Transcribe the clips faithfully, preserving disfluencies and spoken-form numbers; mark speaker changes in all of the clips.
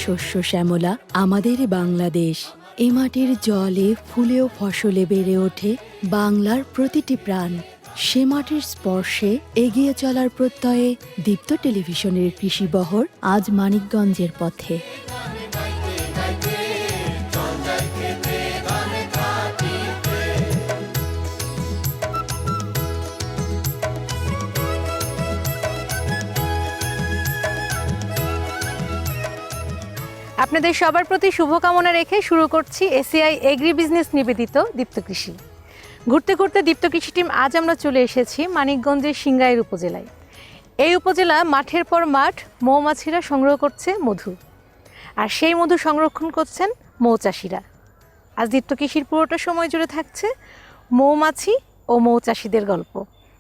Speaker 1: শস্য শ্যামলা আমাদের বাংলাদেশ। এ মাটির জলে ফুলে ও ফসলে বেড়ে ওঠে বাংলার প্রতিটি প্রাণ। সে মাটির স্পর্শে এগিয়ে চলার প্রত্যয়ে দীপ্ত টেলিভিশনের কৃষিবহর আজ মানিকগঞ্জের পথে।
Speaker 2: আপনাদের সবার প্রতি শুভকামনা রেখে শুরু করছি এসিআই এগ্রি বিজনেস নিবেদিত দীপ্ত কৃষি। ঘুরতে ঘুরতে দীপ্ত কৃষি টিম আজ আমরা চলে এসেছি মানিকগঞ্জের সিংগাইর উপজেলায়। এই উপজেলা মাঠের পর মাঠ মৌমাছিরা সংগ্রহ করছে মধু, আর সেই মধু সংরক্ষণ করছেন মৌচাষিরা। আজ দীপ্ত কৃষির পুরোটা সময় জুড়ে থাকছে মৌমাছি ও মৌচাষিদের গল্প।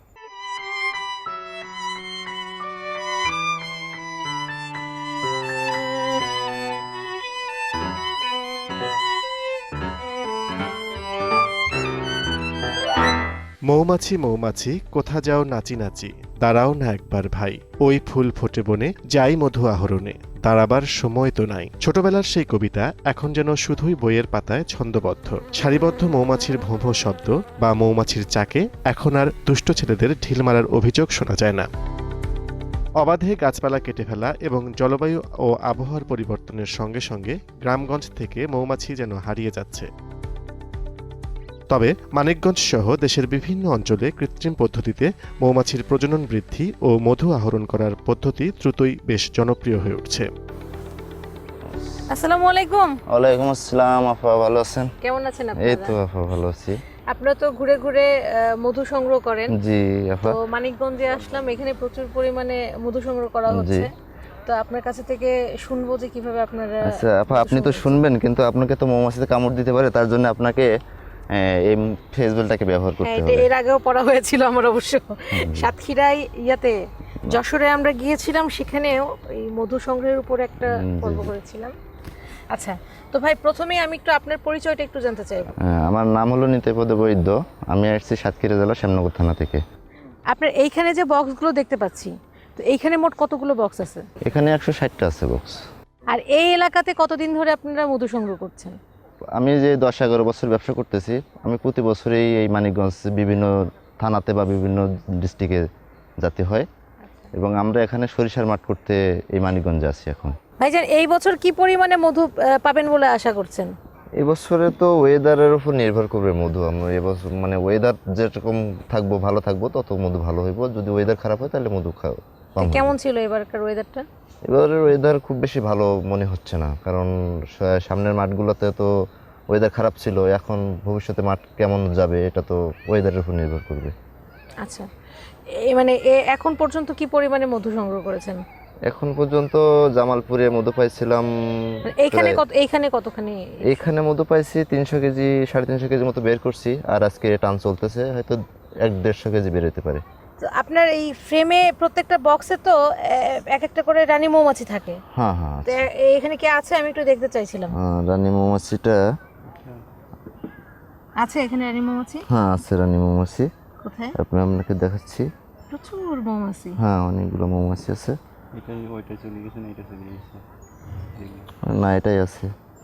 Speaker 3: মৌমাছি মৌমাছি কোথা যাও নাচি নাচি, দাঁড়াও না একবার ভাই, ওই ফুল ফোটে বনে যাই মধু আহরণে, দাঁড়াবার সময় তো নাই। ছোটবেলার সেই কবিতা এখন যেন শুধুই বইয়ের পাতায় ছন্দবদ্ধ। সারিবদ্ধ মৌমাছির ভোঁ ভোঁ শব্দ বা মৌমাছির চাকে এখন আর দুষ্ট ছেলেদের ঢিল মারার অভিযোগ শোনা যায় না। অবাধে গাছপালা কেটে ফেলা এবং জলবায়ু ও আবহাওয়ার পরিবর্তনের সঙ্গে সঙ্গে গ্রামগঞ্জ থেকে মৌমাছি যেন হারিয়ে যাচ্ছে। তবে মানিকগঞ্জ সহ দেশের বিভিন্ন অঞ্চলে কৃত্রিম পদ্ধতিতে মৌমাছির প্রজনন বৃদ্ধি ও মধু আহরণ করার পদ্ধতি দ্রুতই বেশ জনপ্রিয় হয়ে উঠছে।
Speaker 2: আসসালামু আলাইকুম।
Speaker 4: ওয়ালাইকুম আসসালাম। আপা ভালো আছেন?
Speaker 2: কেমন আছেন আপনারা?
Speaker 4: এই তো আপা ভালো আছি।
Speaker 2: আপনারা তো ঘুরে ঘুরে মধু সংগ্রহ করেন।
Speaker 4: জি আপা।
Speaker 2: তো মানিকগঞ্জে আসলাম, এখানে প্রচুর পরিমাণে মধু সংগ্রহ করা হচ্ছে। তো আপনার কাছে থেকে শুনবো যে কিভাবে আপনারা।
Speaker 4: আচ্ছা আপা, আপনি তো শুনবেন, কিন্তু আপনাকে তো মৌমাছিতে কামড় দিতে পারে, তার জন্য আপনাকে এই ফেসবেলটাকে ব্যবহার করতে হবে।
Speaker 2: এর আগেও পড়া হয়েছিল আমার অবশ্য। সাতক্ষীরায় ইয়াতে যশোরে আমরা গিয়েছিলাম, সেখানেও এই মধু সংগ্রহের উপর একটা পর্ব করেছিলাম। আচ্ছা, তো ভাই প্রথমেই আমি একটু আপনার পরিচয়টা একটু জানতে চাই।
Speaker 4: আমার নাম হলো নিত্যপদ বৈদ্য, আমি আসছি সাতক্ষীরা জেলা শ্যামনগর থানা থেকে।
Speaker 2: আপনার এইখানে যে বক্সগুলো দেখতে পাচ্ছি, তো এইখানে মোট কতগুলো বক্স আছে?
Speaker 4: এখানে একশো ষাটটা আছে বক্স।
Speaker 2: আর এই এলাকাতে কতদিন ধরে আপনারা মধু সংগ্রহ করছেন?
Speaker 4: আমি যে দশ এগারো বছর ব্যবসা করতেছি, আমি প্রতি বছরেই এই মানিকগঞ্জ বিভিন্ন থানাতে বা বিভিন্ন ডিস্ট্রিক্টে যেতে হয়, এবং আমরা এখানে সরিষার মাঠ করতে এই মানিকগঞ্জে আছি এখন।
Speaker 2: ভাইজান, এই বছর কি পরিমাণে মধু পাবেন বলে আশা করছেন?
Speaker 4: এই বছরে তো ওয়েদারের উপর নির্ভর করবে মধু। আমরা এবছর মানে ওয়েদার যেরকম থাকবো, ভালো থাকবো, তত মধু ভালো হইব। যদি ওয়েদার খারাপ হয় তাহলে মধু খাও।
Speaker 2: কেমন ছিল এবারকার ওয়েদারটা?
Speaker 4: এবারের ওয়েদার খুব বেশি ভালো মনে হচ্ছে না, কারণ সামনের মাঠগুলোতে তো ওয়েদার খারাপ ছিল। এখন ভবিষ্যতে মাঠ কেমন যাবে এটা তো ওয়েদারের উপর নির্ভর করবে।
Speaker 2: আচ্ছা, এই মানে এখন পর্যন্ত কি পরিমাণে মধু সংগ্রহ করেছেন?
Speaker 4: এখন পর্যন্ত জামালপুরে মধু পাইছিলাম।
Speaker 2: এইখানে কত এইখানে কতখানি?
Speaker 4: এইখানে মধু পাইছি তিনশো কেজি সাড়ে তিনশো কেজি মতো বের করছি, আর আজকে টান চলতেছে, হয়তো এক দেড়শো কেজি বের হতে পারে।
Speaker 2: আপনার এই ফ্রেমে প্রত্যেকটা বক্সে তো এক একটা করে রানী মৌমাছি থাকে।
Speaker 4: হ্যাঁ হ্যাঁ,
Speaker 2: এখানে কি আছে আমি একটু দেখতে চাইছিলাম।
Speaker 4: হ্যাঁ, রানী মৌমাছিটা
Speaker 2: আছে এখানে। রানী মৌমাছি?
Speaker 4: হ্যাঁ আছে রানী মৌমাছি।
Speaker 2: কোথায়?
Speaker 4: আপনি আপনাকে দেখাচ্ছি।
Speaker 2: প্রচুর মৌমাছি।
Speaker 4: হ্যাঁ অনেকগুলো মৌমাছি আছে।
Speaker 5: এটা ওইটা চলে গেছে না, এটা চলে গেছে
Speaker 4: না, এটাই আছে।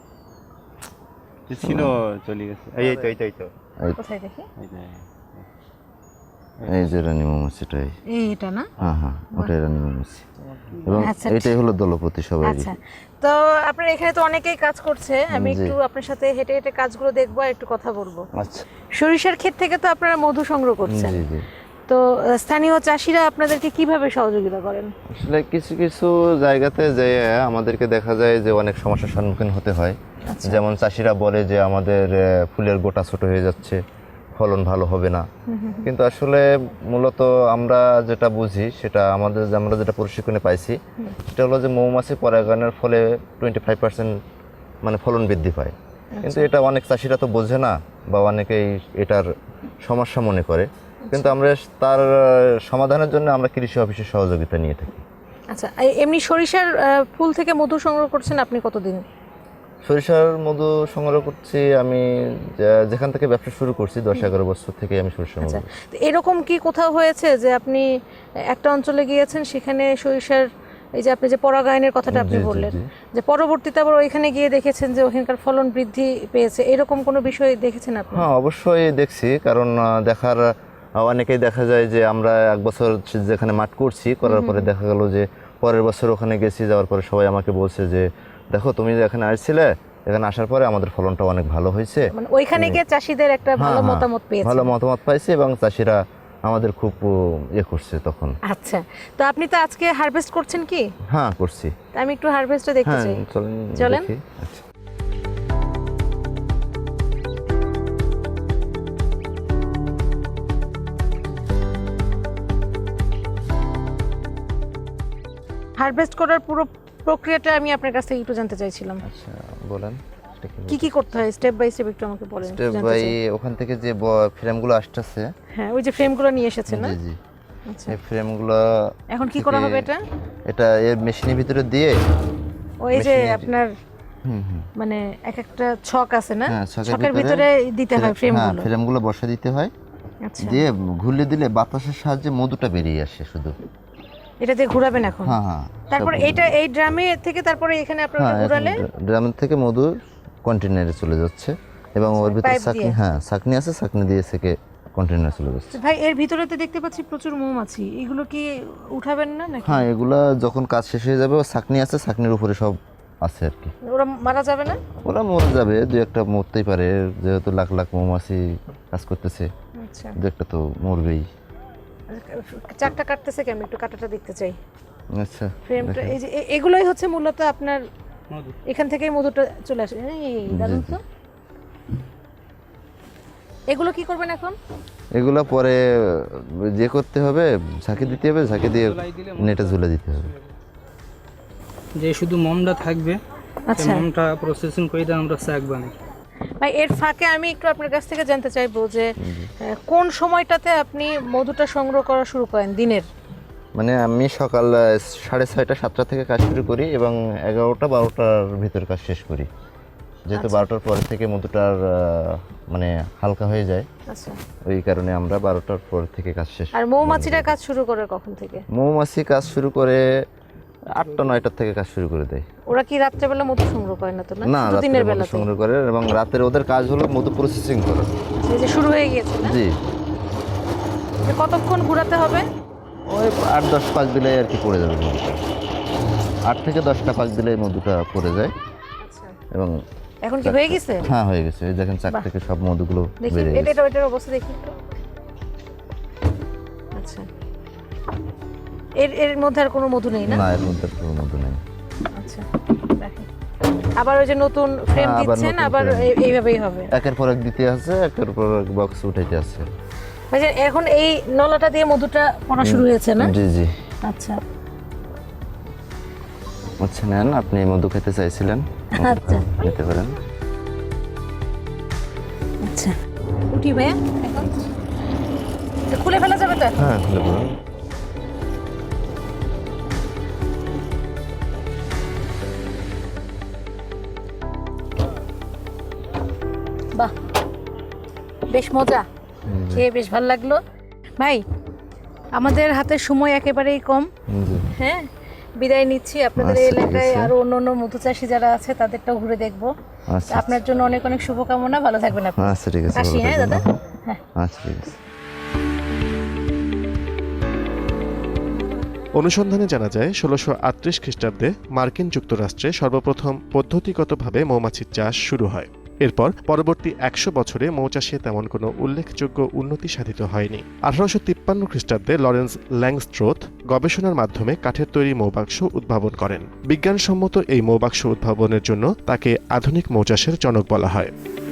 Speaker 5: ছিল চলে গেছে। এই তো এই তো এই তো
Speaker 2: কোথায় দেখি?
Speaker 4: এই যে রানী মৌমাছিটাই।
Speaker 2: এই এটা না?
Speaker 4: হ্যাঁ হ্যাঁ, ওটাই রানী মৌমাছি, এবং
Speaker 2: আচ্ছা,
Speaker 4: এটাই হলো দলপতি সবাই।
Speaker 2: আচ্ছা, তো আপনার এখানে তো অনেকেই কাজ করছে, আমি একটু আপনার সাথে হেঁটে হেঁটে কাজগুলো দেখবো আর একটু কথা বলবো।
Speaker 4: আচ্ছা,
Speaker 2: সরিষার ক্ষেত থেকে তো আপনারা মধু সংগ্রহ করছেন।
Speaker 4: জি জি।
Speaker 2: তো স্থানীয় চাষিরা আপনাদেরকে কিভাবে সহযোগিতা করেন?
Speaker 4: আসলে কিছু কিছু জায়গাতে যে আমাদেরকে দেখা যায় যে অনেক সমস্যার সম্মুখীন হতে হয়। যেমন চাষিরা বলে যে আমাদের ফুলের গোটা ছোট হয়ে যাচ্ছে, ফলন ভালো হবে না, কিন্তু আসলে মূলত আমরা যেটা বুঝি সেটা আমাদের আমরা যেটা প্রশিক্ষণে পাইছি সেটা হলো যে মৌমাছি পরাগায়নের ফলে টোয়েন্টি ফাইভ পার্সেন্ট মানে ফলন বৃদ্ধি পায়। কিন্তু এটা অনেক চাষিরা তো বোঝে না, বা অনেকেই এটার সমস্যা মনে করে, কিন্তু আমরা তার সমাধানের জন্য আমরা কৃষি অফিসের সহযোগিতা নিয়ে থাকি।
Speaker 2: আচ্ছা, এমনি সরিষার ফুল থেকে মধু সংগ্রহ করছেন আপনি কতদিন?
Speaker 4: সরিষার মধু সংগ্রহ করছি আমি যেখান থেকে ব্যবসা শুরু করছি, দশ এগারো বছর থেকে আমি সরিষার মধু।
Speaker 2: এরকম কি কোথাও হয়েছে যে আপনি একটা অঞ্চলে গিয়েছেন, সেখানে সরিষার এই যে আপনি যে পরাগায়নের কথাটা আপনি
Speaker 4: জি, জি,
Speaker 2: বললেন,
Speaker 4: জি।
Speaker 2: যে পরবর্তীতে আবার ওইখানে গিয়ে দেখেছেন যে ওখানকার ফলন বৃদ্ধি পেয়েছে, এরকম কোনো বিষয় দেখেছেন আপনি?
Speaker 4: হ্যাঁ অবশ্যই দেখছি, কারণ আহ, দেখার আহ, অনেকেই দেখা যায় যে আমরা এক বছর যেখানে মাঠ করছি করার পরে দেখা গেল যে পরের বছর ওখানে গেছি, যাওয়ার পরে সবাই আমাকে বলছে যে দেখো তুমি যে এখানে আসছিলে, এখানে আসার পরে আমাদের ফলনটা অনেক ভালো হয়েছে।
Speaker 2: মানে ওইখানে গিয়ে চাষিদের একটা
Speaker 4: হ্যাঁ,
Speaker 2: ভালো
Speaker 4: হ্যাঁ,
Speaker 2: মতামত পেয়েছে।
Speaker 4: ভালো মতামত পাইছি এবং চাষিরা আমাদের খুব আহ, ইয়ে করছে তখন।
Speaker 2: আচ্ছা, তো আপনি তো আজকে হারভেস্ট করছেন কি?
Speaker 4: হ্যাঁ করছি।
Speaker 2: তা আমি একটু হারভেস্টটা দেখতে
Speaker 4: হ্যাঁ
Speaker 2: চাই।
Speaker 4: চলেন
Speaker 2: চলেন।
Speaker 4: দেখি। আচ্ছা।
Speaker 2: হারভেস্ট করার পুরো প্রক্রিয়াটা আমি আপনার কাছ থেকে একটু জানতে চাইছিলাম।
Speaker 4: আচ্ছা বলেন এটা কি
Speaker 2: কি কি করতে হয় স্টেপ বাই স্টেপ একটু আমাকে বলেন।
Speaker 4: স্টেপ
Speaker 2: জানতে
Speaker 4: বাই
Speaker 2: চাই।
Speaker 4: ওখান থেকে যে ফ্রেমগুলো আসতেছে,
Speaker 2: হ্যাঁ, ওই যে ফ্রেমগুলো নিয়ে এসেছেন না?
Speaker 4: জি জি,
Speaker 2: আচ্ছা,
Speaker 4: এই ফ্রেমগুলো
Speaker 2: এখন কি করা
Speaker 4: থেকে
Speaker 2: হবে এটা?
Speaker 4: এটা এর মেশিনের ভিতরে দিয়ে
Speaker 2: ওই যে
Speaker 4: মেশিনে-
Speaker 2: আপনার
Speaker 4: হুম হুম
Speaker 2: মানে এক একটা ছক আছে না,
Speaker 4: হ্যাঁ, ছকের
Speaker 2: ছকের
Speaker 4: ভিতরে
Speaker 2: ভিতরে দিতে হয় ফ্রেমগুলো।
Speaker 4: হ্যাঁ ফ্রেমগুলো বসা দিতে হয়,
Speaker 2: আচ্ছা,
Speaker 4: দিয়ে ঘুরলে দিলে বাতাসের সাহায্যে মধুটা বেরিয়ে আসে শুধু।
Speaker 2: এটা দিয়ে ঘোরাবেন এখন।
Speaker 4: হ্যাঁ হ্যাঁ
Speaker 2: তারপর
Speaker 4: সব-
Speaker 2: এটা এই ড্রামে থেকে তারপরে এখানে আপনারা
Speaker 4: হ্যাঁ
Speaker 2: ঘোরালে
Speaker 4: ড্রাম থেকে মধু কন্টেনারে চলে যাচ্ছে এবং ওর ভিতরে
Speaker 2: পাইপ
Speaker 4: ছাকনি,
Speaker 2: দিয়ে?
Speaker 4: হ্যাঁ ছাকনি আছে, ছাকনি দিয়ে থেকে কন্টেনারে চলে যাচ্ছে।
Speaker 2: ভাই এর ভিতরে তো দেখতে পাচ্ছি প্রচুর মৌমাছি, এগুলো কি উঠাবেন না নাকি?
Speaker 4: হ্যাঁ এগুলা যখন কাজ শেষ হয়ে যাবে, ও ছাকনি আছে, ছাকনির উপরে সব আছে আর কি।
Speaker 2: ওরা মারা যাবে না?
Speaker 4: ওরা মরে যাবে, দু একটা মরতেই পারে, যেহেতু লাখ লাখ মৌমাছি কাজ করতেছে,
Speaker 2: আচ্ছা,
Speaker 4: দু একটা তো মরবেই।
Speaker 2: চাকটা কাটতেছে কি? আমি একটু কাটাটা দেখতে চাই।
Speaker 4: আচ্ছা
Speaker 2: ফ্রেমটা এই যে এ- এগুলোই হচ্ছে মূলত আপনার এখান থেকেই মধুটা চলে আসে। এই দারুণ তো। এগুলো কি করবেন এখন?
Speaker 4: এগুলা পরে যে করতে হবে, ঝাঁকি দিতে হবে, ঝাঁকি দিয়ে নেটে ঝুলে দিতে হবে।
Speaker 6: যে শুধু মমটা থাকবে,
Speaker 2: আচ্ছা
Speaker 6: মমটা প্রসেসিং করে দিয়ে আমরা শাক বানাই।
Speaker 2: ভাই, এর ফাঁকে আমি একটু আপনার কাছ থেকে জানতে চাইবো যে আহ, কোন সময়টাতে আপনি মধুটা সংগ্রহ করা শুরু করেন দিনের?
Speaker 4: মানে আমি সকাল আহ, সাড়ে ছয়টা সাতটা থেকে কাজ শুরু করি এবং এগারোটা বারোটার ভিতর কাজ শেষ করি, যেহেতু বারোটার পর থেকে মধুটার আহ, মানে হালকা হয়ে যায়,
Speaker 2: আচ্ছা,
Speaker 4: ওই কারণে আমরা বারোটার পর থেকে কাজ শেষ।
Speaker 2: আর মৌমাছিরা কাজ শুরু করে কখন থেকে?
Speaker 4: মৌমাছি কাজ শুরু করে আটটা নয়টার থেকে কাজ শুরু করে দেয়।
Speaker 2: ওরা কি রাত্রেবেলা মধু সংগ্রহ করে না তো? না
Speaker 4: না,
Speaker 2: শুধু
Speaker 4: রাতের
Speaker 2: দিনের
Speaker 4: মধু
Speaker 2: বেলা?
Speaker 4: সংগ্রহ করে এবং রাতের ওদের কাজ হলো মধু প্রসেসিং করা।
Speaker 2: এই যে শুরু হয়ে গিয়েছে না?
Speaker 4: জি,
Speaker 2: যে কতক্ষণ ঘোরাতে হবে?
Speaker 4: ওই আট দশ পাক দিলে আর কি পড়ে যাবে মধুটা, আট থেকে দশটা পাক দিলে মধুটা পড়ে যায়
Speaker 2: আচ্ছা,
Speaker 4: এবং
Speaker 2: এখন কি হয়ে গেছে?
Speaker 4: হ্যাঁ হয়ে গেছে। এই দেখেন চাক
Speaker 2: বাহ।
Speaker 4: থেকে সব মধুগুলো
Speaker 2: দেখি
Speaker 4: বেরিয়ে
Speaker 2: এটা
Speaker 4: গেছে।
Speaker 2: এটা এটার অবস্থা দেখি একটু। আচ্ছা, এর এর মধ্যে আর কোনো মধু নেই না?
Speaker 4: না, এর মধ্যে কোনো মধু নেই।
Speaker 2: আচ্ছা, দেখেন। আবার ওই যে নতুন ফ্রেম
Speaker 4: হ্যাঁ, আবার
Speaker 2: দিচ্ছেন,
Speaker 4: নতুন
Speaker 2: আবার
Speaker 4: frame।
Speaker 2: এই- এইভাবেই হবে।
Speaker 4: একের পর এক দিতে আছে, একের পর এক বক্স উঠাইতে আছে।
Speaker 2: ভাই যে এখন এই নলাটা দিয়ে মধুটা পড়া শুরু হয়েছে না?
Speaker 4: জি জি।
Speaker 2: আচ্ছা
Speaker 4: আচ্ছা নেন, আপনি মধু খেতে চাইছিলেন,
Speaker 2: আচ্ছা
Speaker 4: নিতে পারেন।
Speaker 2: আচ্ছা, উঠি ভাইয়া এখন? এটা খুলে ফেলা যাবে তো?
Speaker 4: হ্যাঁ খুলে বলুন।
Speaker 2: বাহ, বেশ মজা, খেয়ে বেশ ভালো লাগলো। ভাই আমাদের হাতে সময় একেবারেই কম,
Speaker 4: জি।
Speaker 2: হ্যাঁ বিদায় নিচ্ছি। আপনাদের এই
Speaker 4: আচ্ছা, ঠিক
Speaker 2: এলাকায়
Speaker 4: আছে।
Speaker 2: আরো অন্য অন্য মধু চাষি যারা আছে তাদেরটাও ঘুরে দেখবো।
Speaker 4: আচ্ছা
Speaker 2: আপনার জন্য অনেক অনেক শুভকামনা, ভালো থাকবেন আপনি।
Speaker 4: আচ্ছা ঠিক আছে,
Speaker 2: আসি,
Speaker 4: ভালো
Speaker 2: হ্যাঁ
Speaker 4: থাকবেন।
Speaker 2: দাদা? হ্যাঁ।
Speaker 4: আচ্ছা ঠিক আছে।
Speaker 3: অনুসন্ধানে জানা যায় ষোলোশো আটত্রিশ খ্রিস্টাব্দে মার্কিন যুক্তরাষ্ট্রে সর্বপ্রথম পদ্ধতিগতভাবে মৌমাছির চাষ শুরু হয়। এরপর পরবর্তী একশো বছরে মৌচাষে তেমন কোনো উল্লেখযোগ্য উন্নতি সাধিত হয়নি। আঠারোশো তিপ্পান্ন খ্রিস্টাব্দে লরেন্স ল্যাংস্ট্রোথ গবেষণার মাধ্যমে কাঠের তৈরি মৌবাক্স উদ্ভাবন করেন। বিজ্ঞানসম্মত এই মৌবাক্স উদ্ভাবনের জন্য তাকে আধুনিক মৌচাষের জনক বলা হয়।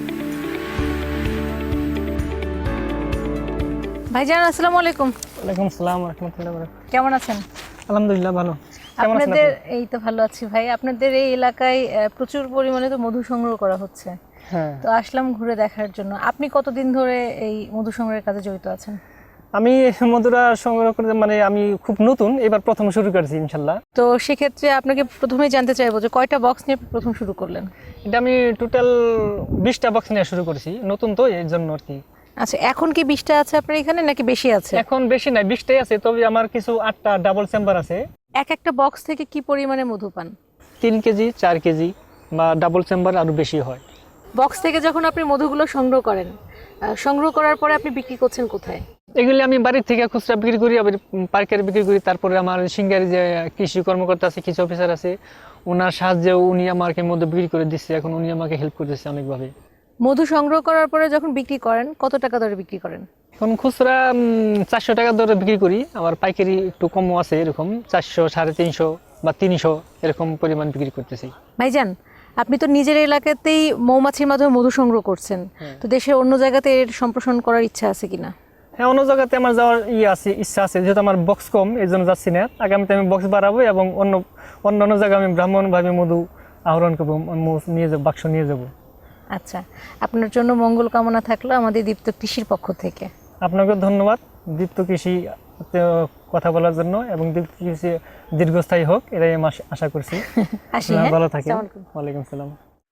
Speaker 2: ভাইজান আসসালামু আলাইকুম,
Speaker 6: ওয়ালাইকুম আসসালাম রাহমাতুল্লাহি ওয়া বারাকাতুহু।
Speaker 2: কেমন আছেন?
Speaker 6: আলহামদুলিল্লাহ ভালো। কেমন আছেন
Speaker 2: আপনাদের
Speaker 6: আপনি?
Speaker 2: এই তো ভালো আছি ভাই। আপনাদের এই এলাকায় আহ, প্রচুর পরিমাণে তো মধু সংগ্রহ করা হচ্ছে,
Speaker 6: হ্যাঁ,
Speaker 2: তো আসলাম ঘুরে দেখার জন্য। আপনি কতদিন ধরে এই মধু সংগ্রহের কাজে জড়িত আছেন?
Speaker 6: আমি মধুরা সংগ্রহ করতে মানে আমি খুব নতুন, এবার প্রথম শুরু করেছি ইনশাল্লাহ।
Speaker 2: তো সেক্ষেত্রে আপনাকে প্রথমেই জানতে চাইবো যে কয়টা বক্স নিয়ে প্রথম শুরু করলেন?
Speaker 6: এটা আমি টোটাল বিশটা বক্স নিয়ে শুরু করেছি, নতুন তো এই জন্য আর কি।
Speaker 2: আচ্ছা, এখন কি বিশটা আছে আপনার এখানে নাকি বেশি আছে?
Speaker 6: এখন বেশি নাই, বিশটাই আছে, তবে আমার কিছু আটটা ডাবল চেম্বার আছে,
Speaker 2: এক একটা বক্স থেকে কি পরিমাণে মধু পান?
Speaker 6: তিন কেজি চার কেজি বা ডাবল চেম্বার আরও বেশি হয়।
Speaker 2: বক্স থেকে যখন আপনি মধুগুলো সংগ্রহ করেন, আহ, সংগ্রহ করার পরে আপনি বিক্রি করছেন কোথায়?
Speaker 6: এগুলি আমি বাড়ির থেকে খুচরা বিক্রি করি, আবার পাইকারি বিক্রি করি। তারপরে আমার সিঙ্গারি যে কৃষি কর্মকর্তা আছে, কৃষি অফিসার আছে, ওনার সাহায্যে উনি আমাকে মধ্যে বিক্রি করে দিচ্ছে। এখন উনি আমাকে হেল্প করতেছে অনেকভাবে।
Speaker 2: মধু সংগ্রহ করার পরে যখন বিক্রি করেন কত টাকা দরে বিক্রি করেন?
Speaker 6: এখন খুচরা চারশো টাকা দরে বিক্রি করি, আবার পাইকারি একটু কমও আছে, এরকম চারশো সাড়ে তিনশো বা তিনশো এরকম পরিমাণ বিক্রি করতেছি।
Speaker 2: ভাইজান, আপনি তো নিজের এলাকাতেই মৌমাছির মাধ্যমে মধু সংগ্রহ করছেন, তো দেশের অন্য জায়গাতে এর সম্প্রসারণ করার ইচ্ছা আছে কিনা?
Speaker 6: হ্যাঁ, অন্য জায়গাতে আমার যাওয়ার ইয়ে আছে, ইচ্ছা আছে, যেহেতু আমার বক্স কম এই জন্য যাচ্ছি না। আগামীতে আমি বক্স বাড়াবো এবং অন্য অন্য অন্য জায়গায় আমি ব্রাহ্মণভাবে মধু আহরণ করবো, নিয়ে যাবো, বাক্স নিয়ে যাবো।
Speaker 2: আচ্ছা, আপনার জন্য মঙ্গল কামনা থাকলো আমাদের দীপ্ত কৃষির পক্ষ থেকে।
Speaker 6: আপনাকে ধন্যবাদ দীপ্ত কৃষি কথা বলার জন্য, এবং দীপ্ত কৃষি দীর্ঘস্থায়ী হোক এটাই আমি আশা করছি।
Speaker 2: আসি,
Speaker 6: আপনারা
Speaker 2: হ্যাঁ?
Speaker 6: ভালো থাকেন।
Speaker 2: আসসালামু আলাইকুম।
Speaker 6: ওয়ালাইকুম সালাম।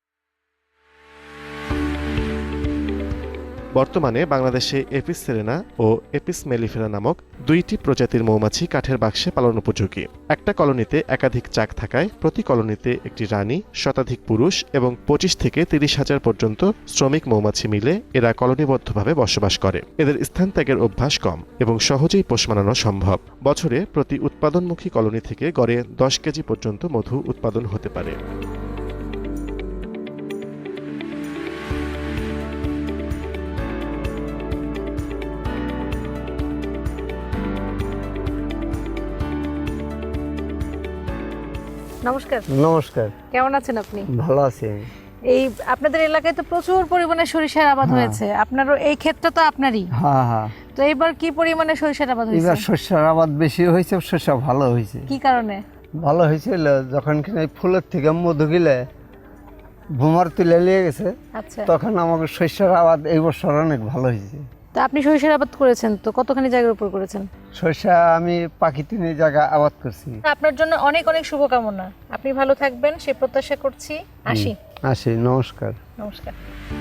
Speaker 3: বর্তমানে বাংলাদেশে এপিস সেরেনা ও এপিস মেলিফেরা নামক দুইটি প্রজাতির মৌমাছি কাঠের বাক্সে পালন উপযোগী। একটা কলোনিতে একাধিক চাক থাকায় প্রতি কলোনিতে একটি রানী, শতাধিক পুরুষ এবং পঁচিশ থেকে তিরিশ হাজার পর্যন্ত শ্রমিক মৌমাছি মিলে এরা কলোনিবদ্ধভাবে বসবাস করে। এদের স্থান ত্যাগের অভ্যাস কম এবং সহজেই পোষ মানানো সম্ভব। বছরে প্রতি উৎপাদনমুখী কলোনি থেকে গড়ে দশ কেজি পর্যন্ত মধু উৎপাদন হতে পারে।
Speaker 2: নমস্কার।
Speaker 7: নমস্কার।
Speaker 2: কেমন আছেন আপনি?
Speaker 7: ভালো আছি আমি।
Speaker 2: এই আপনাদের এলাকায় তো প্রচুর পরিমাণে সরিষার আবাদ হয়েছে, আপনারও এই ক্ষেতটা তো আপনারই।
Speaker 7: হ্যাঁ হ্যাঁ,
Speaker 2: তো এবার কি পরিমাণে সরিষার আবাদ হয়েছে?
Speaker 7: এবার শস্যের আবাদ বেশি হয়েছে, শস্য ভালো হয়েছে।
Speaker 2: কি কারণে
Speaker 7: ভালো হয়েছিল? যখন কিনা এই ফুলের থেকে মধু গিলে ভুমার তুলে নিয়ে গেছে,
Speaker 2: আচ্ছা,
Speaker 7: তখন আমাকে শস্যের আবাদ এই বছর অনেক ভালো হয়েছে।
Speaker 2: তো আপনি সরিষার আবাদ করেছেন, তো কতখানি জায়গার উপর করেছেন?
Speaker 7: শস্য আমি পাখি তিন জায়গা আবাদ করছি।
Speaker 2: আপনার জন্য অনেক অনেক শুভকামনা, আপনি ভালো থাকবেন সে প্রত্যাশা করছি। আসি।
Speaker 7: আসি, নমস্কার।
Speaker 2: নমস্কার।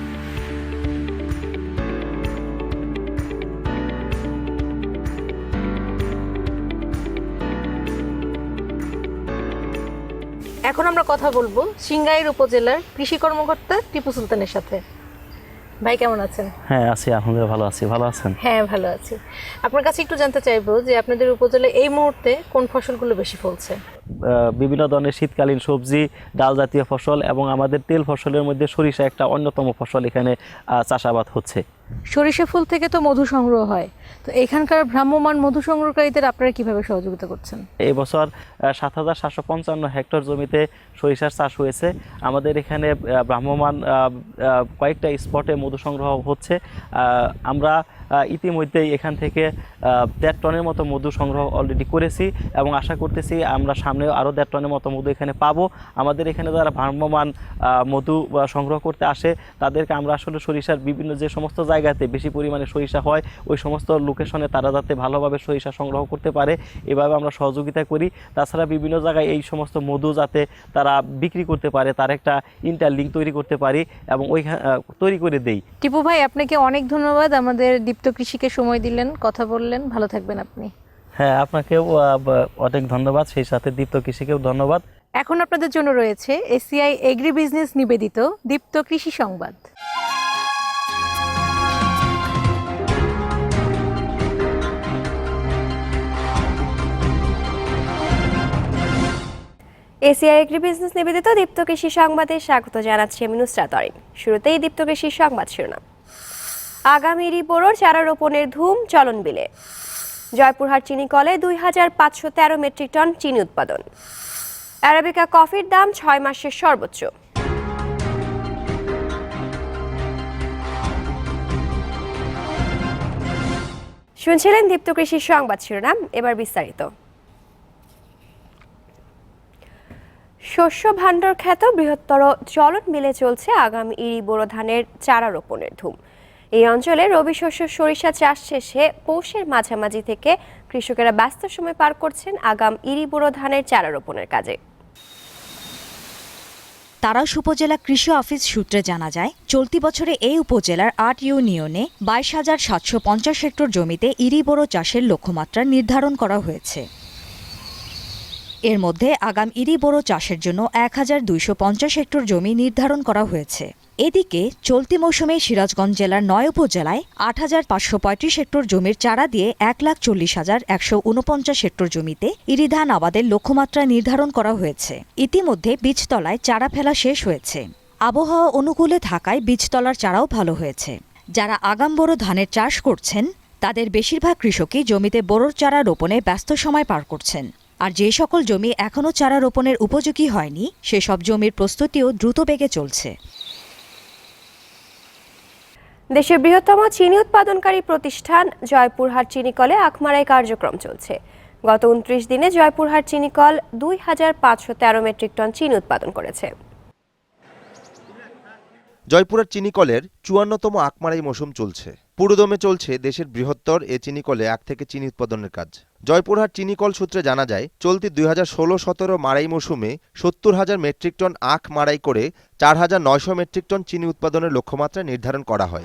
Speaker 2: এখন আমরা কথা বলবো সিংগাইর উপজেলার কৃষি কর্মকর্তা টিপু সুলতানের সাথে। ভাই কেমন আছেন?
Speaker 8: হ্যাঁ আছি, আলহামদুলিল্লাহ ভালো আছি। ভালো আছেন?
Speaker 2: হ্যাঁ ভালো আছি। আপনার কাছে একটু জানতে চাইবো যে আপনাদের উপজেলায় এই মুহূর্তে কোন ফসলগুলো বেশি ফলছে?
Speaker 8: বিভিন্ন ধরনের শীতকালীন সবজি, ডাল জাতীয় ফসল এবং আমাদের তেল ফসলের মধ্যে সরিষা একটা অন্যতম ফসল এখানে চাষাবাদ হচ্ছে।
Speaker 2: সরিষা ফুল থেকে তো মধু সংগ্রহ হয়, তো এখানকার ভ্রাম্যমাণ মধু সংগ্রহকারীদের আপনারা কিভাবে সহযোগিতা করছেন?
Speaker 8: এই বছর সাত হাজার সাতশো পঞ্চান্ন হেক্টর জমিতে সরিষার চাষ হয়েছে। আমাদের এখানে ভ্রাম্যমাণ কয়েকটা স্পটে মধু সংগ্রহ হচ্ছে। আমরা ইতিমধ্যেই এখান থেকে দেড় টনের মতো মধু সংগ্রহ অলরেডি করেছি এবং আশা করতেছি আমরা সামনেও আরও দেড় টনের মতো মধু এখানে পাবো। আমাদের এখানে যারা ভ্রাম্যমাণ মধু সংগ্রহ করতে আসে তাদেরকে আমরা আসলে সরিষার বিভিন্ন যে সমস্ত জায়গাতে বেশি পরিমাণে সরিষা হয় ওই সমস্ত লোকেশনে তারা যাতে ভালোভাবে সরিষা সংগ্রহ করতে পারে এভাবে আমরা সহযোগিতা করি। তাছাড়া বিভিন্ন জায়গায় এই সমস্ত মধু যাতে তারা বিক্রি করতে পারে তার একটা ইন্টারলিঙ্ক তৈরি করতে পারি এবং ওই তৈরি করে দেই।
Speaker 2: টিপু ভাই, আপনাকে অনেক ধন্যবাদ, আমাদের দীপ্ত কৃষিকে সময় দিলেন, কথা বললেন। ভালো থাকবেন আপনি।
Speaker 8: হ্যাঁ, আপনাকেও অনেক ধন্যবাদ, সেই সাথে দীপ্ত কৃষিকেও ধন্যবাদ।
Speaker 2: এখন আপনাদের জন্য রয়েছে এসিআই এগ্রি বিজনেস নিবেদিত দীপ্ত কৃষি সংবাদ।
Speaker 9: এসিআই এগ্রি বিজনেস নিবেদিত দীপ্ত কৃষি সংবাদে স্বাগত জানাচ্ছি আমি নুসরাত অরিন। শুরুতেই দীপ্ত কৃষি সংবাদ শিরোনাম। আগামী বোরোর চারা রোপণের ধুম চলন বিলে। জয়পুরহাট চিনি কলে দুই হাজার পাঁচশো তেরো মেট্রিক টন চিনি উৎপাদন। অ্যারাবিকা কফির দাম ছয় মাসের সর্বোচ্চ। শুনছিলেন দীপ্ত কৃষি সংবাদ শিরোনাম, এবার বিস্তারিত। শস্য ভাণ্ডার খ্যাত বৃহত্তর চলন মিলে চলছে আগামী ইরি বোরো ধানের চারা রোপণের ধুম। এই অঞ্চলে রবি শস্য সরিষা চাষ শেষে পৌষের মাঝামাঝি থেকে কৃষকেরা ব্যস্ত সময় পার করছেন আগাম ইরি বোরো ধানের চারা রোপণের কাজে।
Speaker 10: তারাশ উপজেলা কৃষি অফিস সূত্রে জানা যায়, চলতি বছরে এই উপজেলার আট ইউনিয়নে বাইশ হাজার সাতশো পঞ্চাশ হেক্টর জমিতে ইরি বোরো চাষের লক্ষ্যমাত্রা নির্ধারণ করা হয়েছে। এর মধ্যে আগাম ইরি বোরো চাষের জন্য এক হাজার দুইশো পঞ্চাশ হেক্টর জমি নির্ধারণ করা হয়েছে। এদিকে চলতি মৌসুমে সিরাজগঞ্জ জেলার নয় উপজেলায় আট হাজার পাঁচশো পঁয়ত্রিশ হেক্টর জমির চারা দিয়ে এক লাখ চল্লিশ হাজার একশো উনপঞ্চাশ হেক্টর জমিতে ইরি ধান আবাদের লক্ষ্যমাত্রা নির্ধারণ করা হয়েছে। ইতিমধ্যে বীজতলায় চারা ফেলা শেষ হয়েছে। আবহাওয়া অনুকূলে থাকায় বীজতলার চারাও ভালো হয়েছে। যারা আগাম বোরো ধানের চাষ করছেন তাদের বেশিরভাগ কৃষকই জমিতে বোরোর চারা রোপণে ব্যস্ত সময় পার করছেন। আর যে সকল জমি এখনও চারা রোপণের উপযোগী হয়নি সেসব জমির প্রস্তুতিও দ্রুত বেগে চলছে।
Speaker 9: দেশের বৃহত্তম চিনি উৎপাদনকারী প্রতিষ্ঠান জয়পুরহাট চিনিকলে আখমারাই কার্যক্রম চলছে। গত উনত্রিশ দিনে জয়পুরহাট চিনিকল দুই হাজার পাঁচশো তেরো মেট্রিক টন চিনি উৎপাদন করেছে।
Speaker 11: জয়পুরহাট চিনিকলের চুয়ান্নতম আখমারাই মৌসুম চলছে। পুরোদমে চলছে দেশের বৃহত্তর এ চিনিকলে আখ থেকে চিনি উৎপাদনের কাজ। জয়পুরহাট চিনিকল সূত্রে জানা যায়, চলতি দুই হাজার ষোলো সতেরো মাড়াই মৌসুমে সত্তর হাজার মেট্রিক টন আখ মাড়াই করে চার হাজার নয়শো মেট্রিক টন চিনি উৎপাদনের লক্ষ্যমাত্রা নির্ধারণ করা হয়।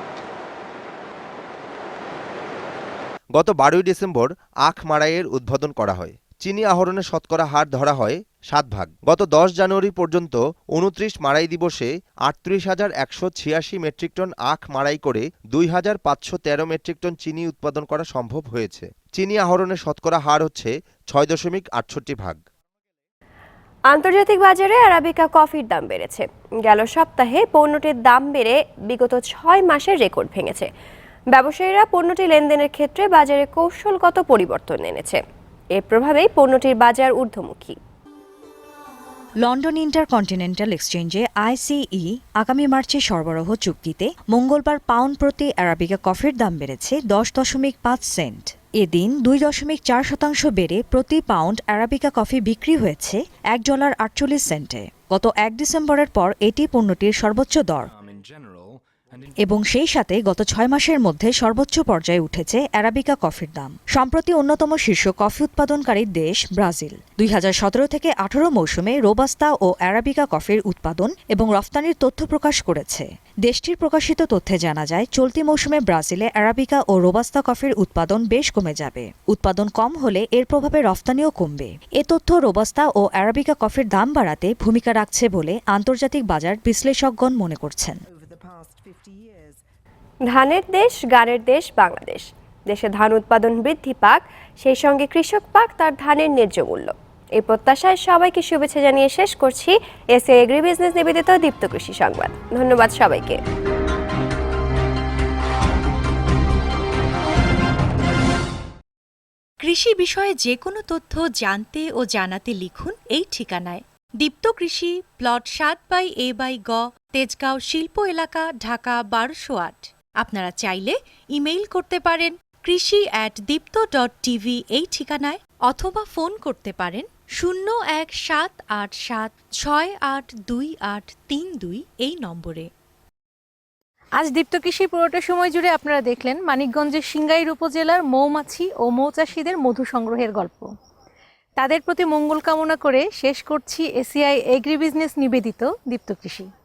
Speaker 11: গত বারোই ডিসেম্বর আখ মাড়াইয়ের উদ্বোধন করা হয়। চিনি আহরণের শতকরা হার ধরা হয় সাত ভাগ। গত দশ জানুয়ারি পর্যন্ত উনত্রিশ মাড়াই দিবসে আটত্রিশ হাজার একশো ছিয়াশি মেট্রিক টন আখ মাড়াই করে দুই হাজার পাঁচশো তেরো মেট্রিক টন চিনি উৎপাদন করা সম্ভব হয়েছে। চিনি আহরণের শতকরা হার হচ্ছে ছয় দশমিক আটষট্টি ভাগ।
Speaker 9: আন্তর্জাতিক বাজারে আরাবিকা কফির দাম বেড়েছে। গেল সপ্তাহে পণ্যটির দাম বেড়ে বিগত ছয় মাসের রেকর্ড ভেঙেছে। ব্যবসায়ীরা পণ্যটি লেনদেনের ক্ষেত্রে বাজারে কৌশলগত পরিবর্তন এনেছে। এর প্রভাবেই পণ্যটির বাজার ঊর্ধ্বমুখী।
Speaker 10: লন্ডন ইন্টারকন্টিনেন্টাল এক্সচেঞ্জে আইসিই আগামী মার্চে সরবরাহ চুক্তিতে মঙ্গলবার পাউন্ড প্রতি আরাবিকা কফির দাম বেড়েছে দশ দশমিক পাঁচ সেন্ট। এদিন দুই দশমিক চার শতাংশ বেড়ে প্রতি পাউন্ড আরাবিকা কফি বিক্রি হয়েছে এক ডলার আটচল্লিশ সেন্টে। গত এক ডিসেম্বরের পর এটি পণ্যটির সর্বোচ্চ দর এবং সেই সাথে গত ছয় মাসের মধ্যে সর্বোচ্চ পর্যায়ে উঠেছে আরাবিকা কফির দাম। সম্প্রতি অন্যতম শীর্ষ কফি উৎপাদনকারী দেশ ব্রাজিল দুই হাজার সতেরো থেকে আঠারো মৌসুমে রোবাস্তা ও আরাবিকা কফির উৎপাদন এবং রফতানির তথ্য প্রকাশ করেছে। দেশটির প্রকাশিত তথ্যে জানা যায়, চলতি মৌসুমে ব্রাজিলে আরাবিকা ও রোবাস্তা কফির উৎপাদন বেশ কমে যাবে। উৎপাদন কম হলে এর প্রভাবে রফতানিও কমবে। এ তথ্য রোবাস্তা ও আরাবিকা কফির দাম বাড়াতে ভূমিকা রাখছে বলে আন্তর্জাতিক বাজার বিশ্লেষকগণ মনে করছেন।
Speaker 9: ধানের দেশ, গানের দেশ বাংলাদেশ। দেশে ধান উৎপাদন বৃদ্ধি পাক, সেই সঙ্গে কৃষক পাক তার ধানের ন্যায্য মূল্য। এই প্রত্যাশায় সবাইকে শুভেচ্ছা জানিয়ে শেষ করছি এসএ এগ্রি বিজনেস নিবেদিত দীপ্ত কৃষি সংবাদ। ধন্যবাদ সবাইকে।
Speaker 12: কৃষি বিষয়ে যে কোনো তথ্য জানতে ও জানাতে লিখুন এই ঠিকানায়। দীপ্ত কৃষি, প্লট সাত বাই এ বাই গ, তেজগাঁও শিল্প এলাকা, ঢাকা বারোশো আট। আপনারা চাইলে ইমেইল করতে পারেন কৃষি অ্যাট দীপ্ত ডট টিভি এই ঠিকানায়, অথবা ফোন করতে পারেন শূন্য এক সাত আট সাত ছয় আট দুই আট তিন দুই এই নম্বরে।
Speaker 2: আজ দীপ্ত কৃষি পুরোটা সময় জুড়ে আপনারা দেখলেন মানিকগঞ্জের সিংগাইর উপজেলার মৌমাছি ও মৌচাষীদের মধু সংগ্রহের গল্প। তাদের প্রতি মঙ্গল কামনা করে শেষ করছি এসিআই এগ্রি বিজনেস নিবেদিত দীপ্ত কৃষি।